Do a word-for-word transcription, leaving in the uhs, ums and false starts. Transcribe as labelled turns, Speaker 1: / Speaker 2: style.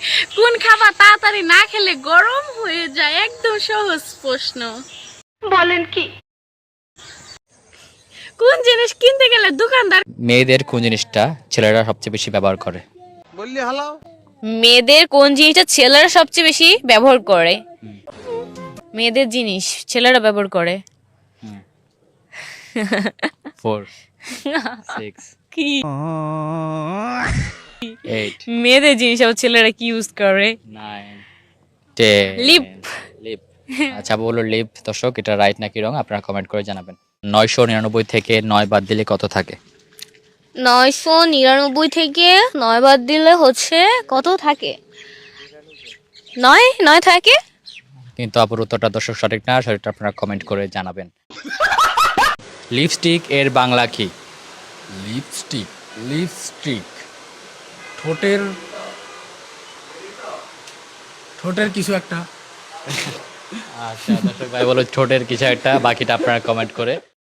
Speaker 1: কোন খাবার তাড়াতাড়ি না খেলে গরম হয়ে যায়? একদম সহজ প্রশ্ন। বলেন কি? কোন জিনিস কিনতে গেলে দোকানদার
Speaker 2: মেয়েদের কোন জিনিসটা ছেলেরা সবচেয়ে বেশি ব্যবহার করে?
Speaker 3: বললি হালাও
Speaker 4: মেয়েদের কোন জিনিসটা ছেলেরা সবচেয়ে বেশি ব্যবহার করে? মেয়েদের জিনিস ছেলেরা ব্যবহার করে
Speaker 2: ফোর, সিক্স,
Speaker 4: কি?
Speaker 2: এইট,
Speaker 4: মেয়েদের জিনিস আবার ছেলেরা কি ইউজ করে?
Speaker 2: Nine, ten.
Speaker 4: লিপ।
Speaker 2: লিপ। আচ্ছা বলো লিপ। দর্শক এটা রাইট নাকি রং আপনারা কমেন্ট করে জানাবেন। নয়শো নিরানব্বই থেকে নয় বাদ দিলে কত থাকে?
Speaker 4: নয়শো নিরানব্বই থেকে নয় বাদ দিলে হচ্ছে কত থাকে? নয় নয় থাকে।
Speaker 2: কিন্তু আপুর উত্তরটা দর্শক সঠিক না, সঠিকটা আপনারা কমেন্ট করে জানাবেন। লিপস্টিক এর বাংলা কি?
Speaker 5: লিপস্টিক লিপস্টিক ঠোঁটের ঠোঁটের কিছু একটা।
Speaker 2: আচ্ছা দর্শক ভাই বলো ঠোঁটের কিছু একটা, বাকিটা আপনারা কমেন্ট করে